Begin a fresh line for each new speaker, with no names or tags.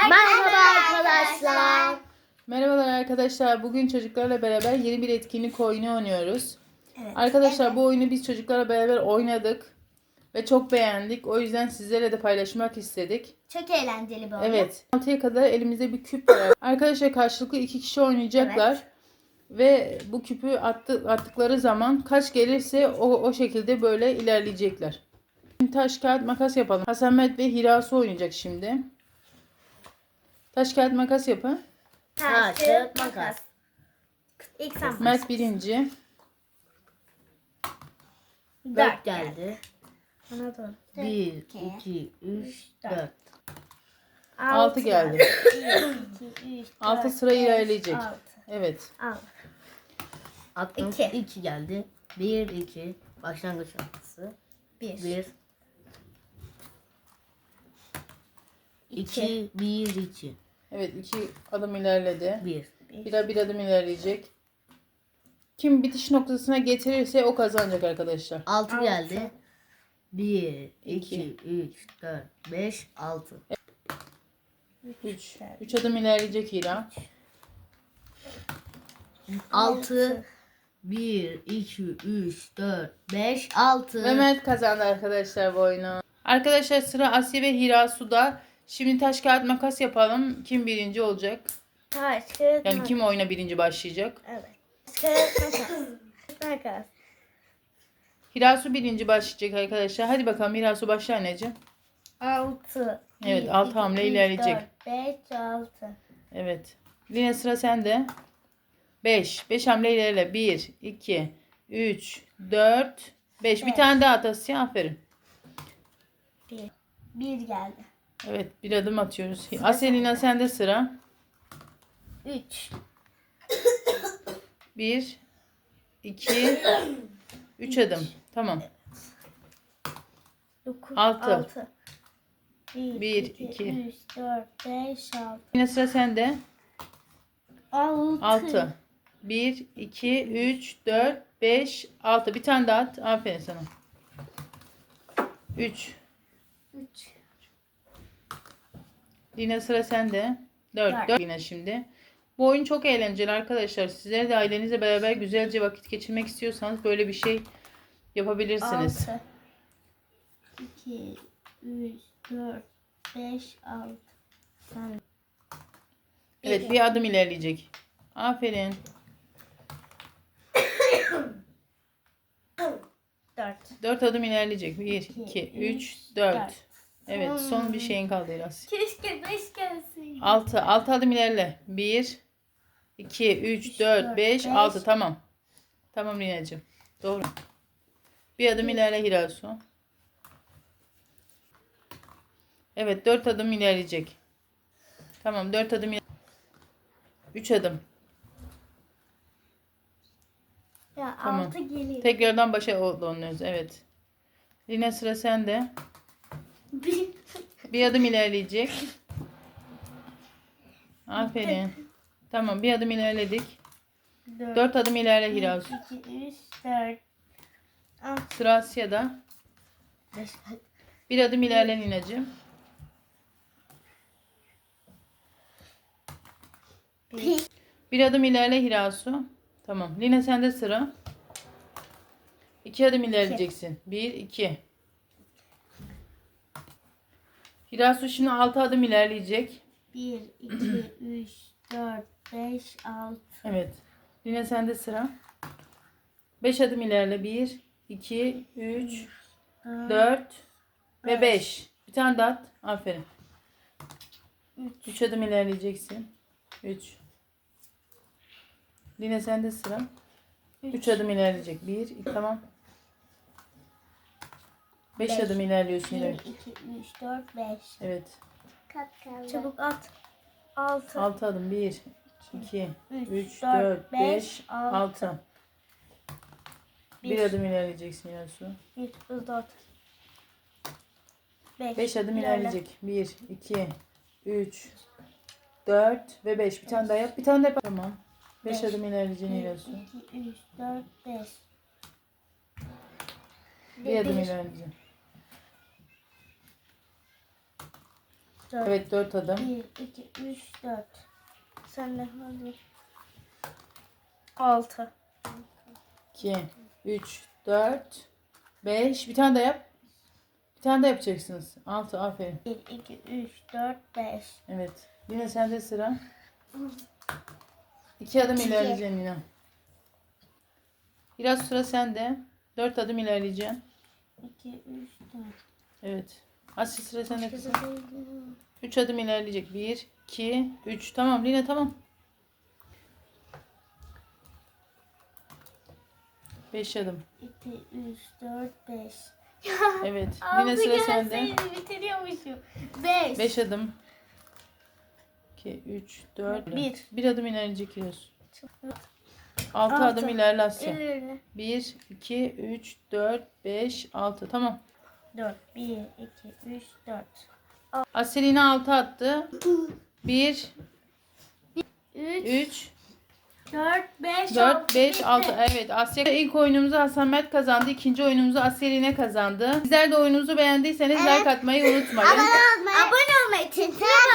Merhaba arkadaşlar.
Merhabalar arkadaşlar. Bugün çocuklarla beraber yeni bir etkinlik oyunu oynuyoruz.
Evet.
Arkadaşlar bu oyunu biz çocuklarla beraber oynadık ve çok beğendik. O yüzden sizlerle de paylaşmak istedik.
Çok eğlenceli bir oyun.
Evet. 6'ya kadar elimizde bir küp var. Arkadaşlar karşılıklı 2 kişi oynayacaklar.
Evet.
Ve bu küpü attıkları zaman kaç gelirse o şekilde böyle ilerleyecekler. Taş, kağıt, makas yapalım. Hasan Mert ve Hirasu oynayacak şimdi. Taş, kağıt, makas yapın.
Taş, kağıt, makas. İlk sen başla.
Mert birinci.
4 geldi. Bana doğru.
1, 2, 3, 4.
6 geldi.
2, 3,
6 sıra ilerleyecek. Evet.
6.
Attım.
İki.
2 geldi. 1, 2. Başlangıç noktası.
1.
1. 2, 1, 2.
Evet 2 adım ilerledi.
1.
Bir adım ilerleyecek. Kim bitiş noktasına getirirse o kazanacak arkadaşlar.
6 geldi. 1,
İki.
2, 3, 4, 5, 6.
3 adım ilerleyecek Hira.
6. 1, 2, 3, 4, 5, 6.
Ve Mert kazandı arkadaşlar bu oyunu. Arkadaşlar sıra Asya ve Hirasu'da. Şimdi taş kağıt makas yapalım. Kim birinci olacak?
Taş, kağıt,
Yani
makas.
kim oyuna birinci başlayacak?
Evet. Taş, kağıt, makas. Makas.
Hirasu birinci başlayacak arkadaşlar. Hadi bakalım Hirasu başla anneciğim.
6.
Evet, 6 hamle ilerleyecek.
4, 5, 6.
Evet. Yine sıra sende. 5. 5 hamle ilerle. 1, 2, 3, 4, 5. Bir tane daha at Asya. Aferin.
1 geldi.
Evet bir adım atıyoruz. Asya Lina sende sıra.
3.
1, 2, 3 adım. Tamam.
9.
Altı.
6. 1,
Bir,
2,
iki.
3, 4, 5, 6.
Yine sıra sende.
6.
6. 1, 2, 3, 4, 5, 6. Bir tane daha at. Aferin sana. 3.
3.
Yine sıra sende. 4 yine şimdi. Bu oyun çok eğlenceli arkadaşlar. Sizler de ailenizle beraber güzelce vakit geçirmek istiyorsanız böyle bir şey yapabilirsiniz.
6. 2, 3, 4, 5, 6. Sen.
Evet bir adım ilerleyecek. Aferin.
4.
4 adım ilerleyecek. 1, 2, 3, 4. Evet son bir şeyin kaldı biraz.
Keşke 5 gelsin.
6 adım ilerle. 1, 2, 3, 4, 5, 6. Tamam. Tamam Lina'cığım. Doğru. Bir adım ilerle Hirasu. Evet 4 adım ilerleyecek. Tamam 4 adım 3 adım.
Ya
Tamam.
6 geliyor.
Tekrardan başa dönüyoruz. Evet. Lina sıra sende. Bir adım ilerleyecek. Aferin. Tamam bir adım ilerledik. 4 adım ilerle Hirasu.
2, 3, 4.
Sıra Asya'da.
5.
Bir adım ilerle Lina'cığım. Bir adım ilerle Hirasu. Tamam. Lina sende sıra. 2 adım ilerleyeceksin. 1, 2. Hirasu şimdi 6 adım ilerleyecek.
1, 2, 3, 4, 5, 6.
Evet. Lina sende sıra. 5 adım ilerle. 1, 2, 3, 4 ve 5. Bir tane daha at. Aferin. 3 adım ilerleyeceksin. 3. Lina sende sıra. 3 adım ilerleyecek. 1, 2, tamam. 5 adım ilerliyorsun
1,
ileri.
2, 3, 4, 5.
Evet.
Çabuk at. 6.
6 adım. 1, 2, 3,
4,
4, 5, 6. Bir
Bir.
adım ilerleyeceksin Yasu.
1, 4.
5 adım ilerleyecek. 1, 2, 3, 4 ve 5. Bir tane daha yap. Bir tane daha yap. Tamam. 5 adım ilerleyeceksin
1,
Yasu.
2, 3, 4, 5.
Bir adım ilerleyeceksin.
4.
Evet 4 adım.
1, 2, 3, 4. Sen de hadi. 6.
2, 3, 4, 5. Bir tane daha yap. Bir tane daha yapacaksınız. 6 aferin.
1, 2, 3, 4, 5.
Evet. Yine sende sıra. 2 adım ilerleyeceksin Lina. Biraz sıra sende. 4 adım ilerleyeceksin.
2, 3, 4.
Evet. Asya sıra sende kızım. 3 adım ilerleyecek. 1, 2, 3. Tamam Lina tamam. 5 adım.
2, 3, 4, 5.
Evet. Lina sıra sende.
Bitiriyormuşum. 5.
5 adım. 2, 3, 4.
Bir.
1 adım ilerleyecek Yunus. 6
Altı.
adım ilerle Asya.
Öyle.
1, 2, 3, 4, 5, 6. Tamam.
4. 1, 2, 3, 4.
Asya yine 6 attı. 1,
3,
3,
4, 5,
4, 5, 6. Evet Asya ilk oyunumuzu Hasan Mert kazandı. İkinci oyunumuzu Asya yine kazandı. Sizler de oyunumuzu beğendiyseniz like atmayı unutmayın.
Abone olmayı, çekmeyi